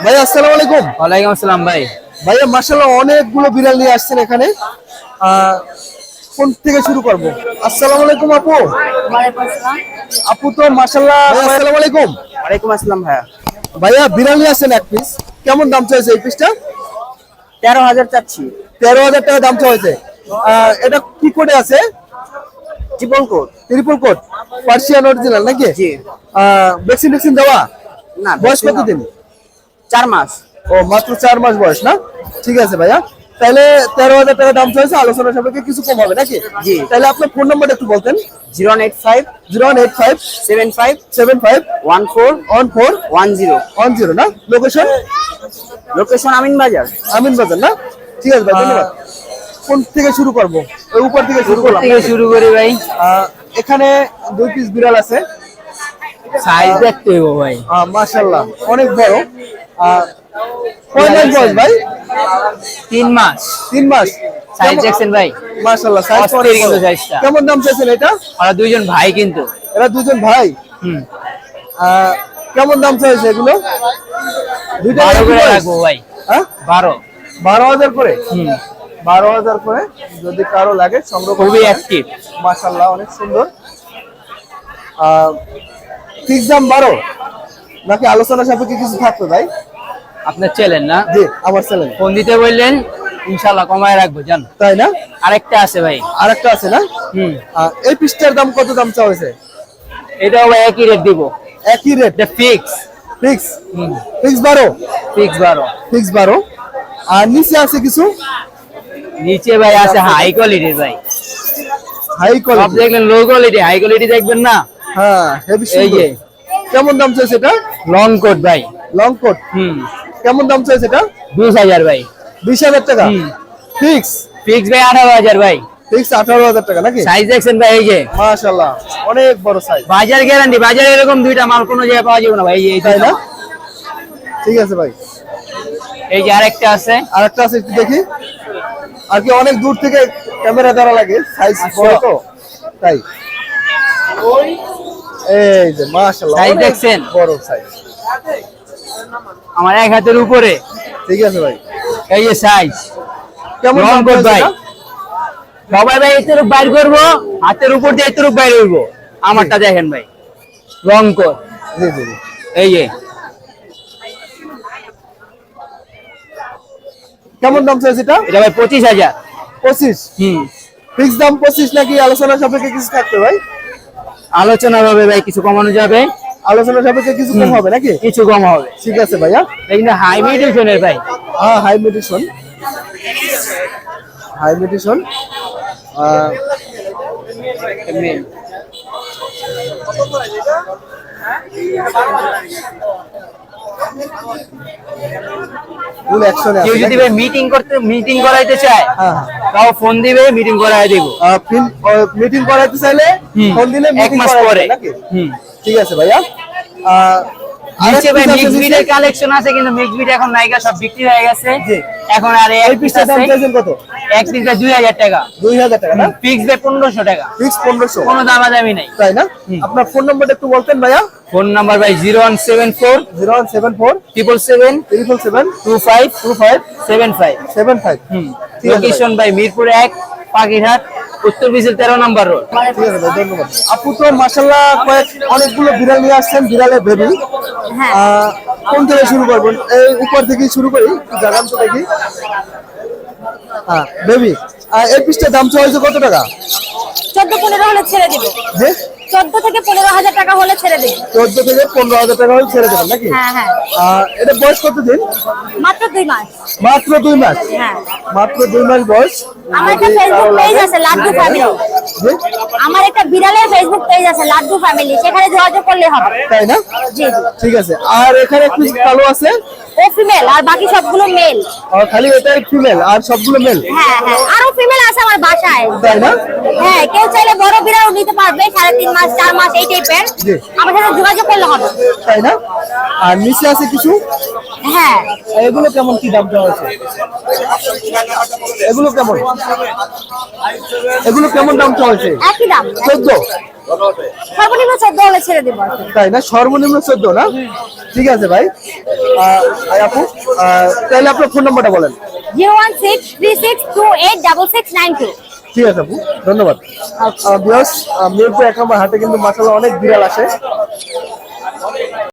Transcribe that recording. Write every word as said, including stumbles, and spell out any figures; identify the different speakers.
Speaker 1: ভাই আসসালামু আলাইকুম।
Speaker 2: ওয়ালাইকুম আসসালাম ভাই।
Speaker 1: ভাইয়া মাশাআল্লাহ অনেকগুলো বিড়াল নিয়ে আসছেন এখানে। আহ, কোন থেকে শুরু করব? আসসালামু আলাইকুম আপু।
Speaker 3: ওয়ালাইকুম আসসালাম।
Speaker 1: আপু তো মাশাআল্লাহ। আসসালামু আলাইকুম।
Speaker 2: ওয়ালাইকুম আসসালাম ভাইয়া।
Speaker 1: ভাইয়া বিড়াল নিয়ে আসছেন এক পিস, কেমন দাম চাইছে এই পিসটা?
Speaker 2: তেরো হাজার চাচ্ছি।
Speaker 1: তেরো হাজার টাকা দাম চাইছে। আহ, এটা কি কোডে আছে?
Speaker 2: Triple code.
Speaker 1: Triple code Persian original নাকি?
Speaker 2: জি।
Speaker 1: আহ, ভ্যাকসিন ভ্যাকসিন দেওয়া?
Speaker 2: না,
Speaker 1: বয়স কতদিন?
Speaker 2: চার মাস।
Speaker 1: ও মাত্র চার মাস বয়স না? ঠিক আছে ভাইয়া, তাহলে তেরো হাজার টাকা দাম চাইছে, আলোচনা সাপেক্ষে কিছু কম হবে নাকি?
Speaker 2: জি।
Speaker 1: তাহলে আপনার ফোন নাম্বারটা একটু বলতেন।
Speaker 2: Zero eight five
Speaker 1: zero one eight five
Speaker 2: seven five
Speaker 1: seven five
Speaker 2: one four
Speaker 1: one four
Speaker 2: one zero.
Speaker 1: One zero না? লোকেশন?
Speaker 2: লোকেশন আমিন বাজার।
Speaker 1: আমিন বাজার না? ঠিক আছে ভাই, ধন্যবাদ। কোন থেকে শুরু করবো? ওই উপর থেকে শুরু করলাম।
Speaker 2: থেকে শুরু করি ভাই।
Speaker 1: আহ, এখানে দুই পিস বিড়াল আছে।
Speaker 2: সাইজ দেখতে হইব ভাই।
Speaker 1: আহ, মাশাআল্লাহ অনেক বড়। আহ, কয় মাস বয়স ভাই?
Speaker 2: তিন মাস।
Speaker 1: তিন মাস।
Speaker 2: সাইজ দেখছেন ভাই?
Speaker 1: মাশাআল্লাহ সাইজ
Speaker 2: অস্থির কিন্তু সাইজটা।
Speaker 1: কেমন দাম চাইছেন এটা?
Speaker 2: ওরা দুইজন ভাই কিন্তু।
Speaker 1: এরা দুজন ভাই।
Speaker 2: হুম।
Speaker 1: আহ, কেমন দাম চাইছে এগুলো? দুইটা
Speaker 2: বারো
Speaker 1: একই
Speaker 2: করে
Speaker 1: বয়স?
Speaker 2: রাখবো ভাই।
Speaker 1: হ্যাঁ,
Speaker 2: বারো।
Speaker 1: বারো হাজার করে।
Speaker 2: হুম।
Speaker 1: বারো হাজার করে যদি কারো লাগে সংগ্রহ
Speaker 2: খুবই
Speaker 1: করতে
Speaker 2: অ্যাক্টিভ।
Speaker 1: মাশাআল্লাহ অনেক সুন্দর। ফিক্স দাম বারো নাকি আলোচনা সাপেক্ষে কিছু থাকতো ভাই?
Speaker 2: আপনার চ্যানেল না?
Speaker 1: জি আমার চ্যানেল।
Speaker 2: ফোন দিতে বললেন, ইনশাআল্লাহ কমায় রাখবো জান।
Speaker 1: তাই না?
Speaker 2: আরেকটা আছে ভাই।
Speaker 1: আরেকটা আছে না?
Speaker 2: হুম।
Speaker 1: আহ, এই পিসটার দাম কত দাম চাওয়া হয়েছে?
Speaker 2: এটাও ভাই একই রেট দিব।
Speaker 1: একই রেট?
Speaker 2: এটা ফিক্স।
Speaker 1: ফিক্স?
Speaker 2: হুম।
Speaker 1: ফিক্স বারো?
Speaker 2: ফিক্স বারো।
Speaker 1: ফিক্স বারো। আর নিচে আছে কিছু?
Speaker 2: নিচে ভাই আছে হাই কোয়ালিটির ভাই।
Speaker 1: হাই
Speaker 2: সব
Speaker 1: কোয়ালিটি?
Speaker 2: দেখলেন লো কোয়ালিটি, হাই কোয়ালিটি দেখবেন না?
Speaker 1: হ্যাঁ হেভি
Speaker 2: এই যে
Speaker 1: সুন্দর। কেমন দাম চাইছে এটা?
Speaker 2: লং কোট ভাই।
Speaker 1: Long coat?
Speaker 2: হুম।
Speaker 1: কেমন দাম চাইছে এটা?
Speaker 2: বিশ হাজার ভাই।
Speaker 1: বিশ হাজার টাকা?
Speaker 2: হুম।
Speaker 1: ফিক্স?
Speaker 2: ফিক্স ভাই আঠারো হাজার ভাই।
Speaker 1: ফিক্স আঠারো হাজার টাকা নাকি?
Speaker 2: সাইজ দেখছেন ভাই? এই যে
Speaker 1: মাশাআল্লাহ অনেক বড় সাইজ।
Speaker 2: বাজার গ্যারান্টি, বাজারে এরকম দুইটা মাল কোনো জায়গায় পাওয়া যাবে না ভাই। এই যে এই
Speaker 1: তাই
Speaker 2: দুইটা
Speaker 1: না?
Speaker 2: মাল।
Speaker 1: ঠিক আছে ভাই।
Speaker 2: এই যে আরেকটা আছে।
Speaker 1: আরেকটা আছে একটু দেখি। আর কি অনেক দূর থেকে ক্যামেরা দ্বারা লাগে, সাইজ বড় তো তাই। এই যে মাশাআল্লাহ
Speaker 2: সাইজ
Speaker 1: অনেক
Speaker 2: দেখছেন?
Speaker 1: বড় সাইজ।
Speaker 2: আমার এক হাতের উপরে।
Speaker 1: ঠিক আছে ভাই।
Speaker 2: এই যে সাইজ।
Speaker 1: কেমন
Speaker 2: লং
Speaker 1: দাম
Speaker 2: কোট
Speaker 1: চাইছে
Speaker 2: ভাই।
Speaker 1: এটা?
Speaker 2: সবাই ভাই এর উপর বাইর করবো, হাতের উপর দিয়ে এর উপর বাইর হইব। আমারটা দেখেন ভাই, লং কোট।
Speaker 1: জি জি জি।
Speaker 2: এই যে
Speaker 1: কেমন দাম চাইছে এটা?
Speaker 2: এটা ভাই পঁচিশ হাজার।
Speaker 1: পঁচিশ?
Speaker 2: হুম।
Speaker 1: ফিক্স দাম পঁচিশ নাকি আলোচনা সাপেক্ষে কিছু থাকবে ভাই?
Speaker 2: আলোচনা হবে ভাই, কিছু কমানো যাবে।
Speaker 1: আলোচনা সাপেক্ষে কিছু কম হবে নাকি?
Speaker 2: কিছু কম হবে।
Speaker 1: ঠিক আছে ভাইয়া।
Speaker 2: এই কিন্তু হাই মিউটেশনের ভাই।
Speaker 1: হ্যাঁ high medicine. High medicine. Full অ্যাকশনে
Speaker 2: কেউ
Speaker 1: আছে
Speaker 2: যদি
Speaker 1: নাকি?
Speaker 2: ভাই মিটিং করতে মিটিং করাইতে চায়,
Speaker 1: হ্যাঁ
Speaker 2: তাও ফোন দিবে, মিটিং করাই দেবো।
Speaker 1: মিটিং করাইতে চাইলে
Speaker 2: হুম।
Speaker 1: ফোন দিলে
Speaker 2: এক
Speaker 1: মিটিং
Speaker 2: মাস
Speaker 1: করাই
Speaker 2: পরে।
Speaker 1: দেবে নাকি?
Speaker 2: হুম।
Speaker 1: ঠিক আছে ভাইয়া। আহ,
Speaker 2: নিচে
Speaker 1: আরেক
Speaker 2: ভাই
Speaker 1: piece আছে
Speaker 2: মিক্স
Speaker 1: নিচে?
Speaker 2: বিটের কালেকশন আছে, কিন্তু মিক্স বিট এখন নাইকা সব বিক্রি হয়ে গেছে।
Speaker 1: জি।
Speaker 2: এখন আর
Speaker 1: এই
Speaker 2: এক পিস
Speaker 1: পিসটার দাম
Speaker 2: আছে।
Speaker 1: চাইছেন কত?
Speaker 2: এক পিস দুই হাজার টাকা।
Speaker 1: দুই হাজার টাকা না?
Speaker 2: ফিক্স ভাই পনেরোশো টাকা।
Speaker 1: ফিক্স পনেরোশো?
Speaker 2: কোনো দামাদামি নাই।
Speaker 1: তাই না? আপনার ফোন নাম্বারটা একটু বলতেন ভাইয়া।
Speaker 2: ফোন নাম্বার ভাই zero one seven four
Speaker 1: zero one seven four
Speaker 2: triple seven
Speaker 1: triple seven
Speaker 2: two five
Speaker 1: two five
Speaker 2: seven five.
Speaker 1: Seven five.
Speaker 2: হুম।
Speaker 1: ঠিক আছে ভাই।
Speaker 2: লোকেশন ভাই মিরপুর এক, পাখিরহাট, উত্তর বিশের তেরো নম্বর রোড।
Speaker 1: ঠিক আছে ভাই, ধন্যবাদ। আপু তো মাশাআল্লাহ কয়েক অনেকগুলো বিড়াল নিয়ে আসছেন, বিড়ালের বেবি।
Speaker 3: হ্যাঁ।
Speaker 1: কোন থেকে শুরু করবেন? এই উপর থেকে শুরু করি, একটু জানান তো দেখি। হ্যাঁ বেবি। এই পিসটার দাম চাইছে কত টাকা?
Speaker 3: চোদ্দ পনেরো হলে ছেড়ে দিব।
Speaker 1: যে
Speaker 3: চোদ্দ থেকে পনেরো হাজার টাকা হলে ছেড়ে দিব।
Speaker 1: চোদ্দ থেকে পনেরো হাজার টাকা হলে ছেড়ে দেবেন নাকি?
Speaker 3: হ্যাঁ হ্যাঁ।
Speaker 1: আহ, এটা বয়স কতদিন?
Speaker 3: মাত্র দুই মাস।
Speaker 1: মাত্র দুই মাস?
Speaker 3: হ্যাঁ।
Speaker 1: মাত্র দুই মাস বয়স।
Speaker 3: আমার একটা
Speaker 1: যদি কারো
Speaker 3: ফেসবুক পেজ
Speaker 1: লাগে-
Speaker 3: আছে লাড্ডু ফ্যামিলি।
Speaker 1: জি?
Speaker 3: আমার একটা বিড়ালের ফেসবুক পেজ আছে লাড্ডু ফ্যামিলি, সেখানে যোগাযোগ করলে হবে।
Speaker 1: তাই না?
Speaker 3: জি জি।
Speaker 1: ঠিক আছে। আর এখানে একটু কালো আছে?
Speaker 3: ও ফিমেল আর বাকি সবগুলো মেল।
Speaker 1: আর খালি এটাই ফিমেল আর সবগুলো মেল?
Speaker 3: হ্যাঁ হ্যাঁ, আরো ফিমেল আছে আমার বাসায়।
Speaker 1: তাই না?
Speaker 3: হ্যাঁ, কেউ চাইলে বড় বিড়াল নিতে পারবে, সাড়ে তিন মাস চার মাস এই টাইপের।
Speaker 1: জি।
Speaker 3: আমার সাথে যোগাযোগ করলে হবে।
Speaker 1: তাই না? আর নিচে আছে কিছু?
Speaker 3: হ্যাঁ।
Speaker 1: এগুলো কেমন কি দাম দেওয়া আছে? এগুলো কেমন? এগুলো কেমন দাম চাওয়া হয়েছে?
Speaker 3: একই দাম।
Speaker 1: চোদ্দ?
Speaker 3: সর্বনিম্ন চোদ্দ হলে ছেড়ে দিব আর কি।
Speaker 1: তাই না, সর্বনিম্ন চোদ্দ না? ঠিক আছে ভাই। আহ, আর আপু আহ, তাহলে আপনার ফোন নাম্বারটা বলেন।
Speaker 3: Zero one six three six two eight double six nine two.
Speaker 1: ঠিক আছে আপু, ধন্যবাদ। বিয়াস মিরপুর এক নম্বর হাটে কিন্তু মাশাআল্লাহ অনেক বিড়াল আসে।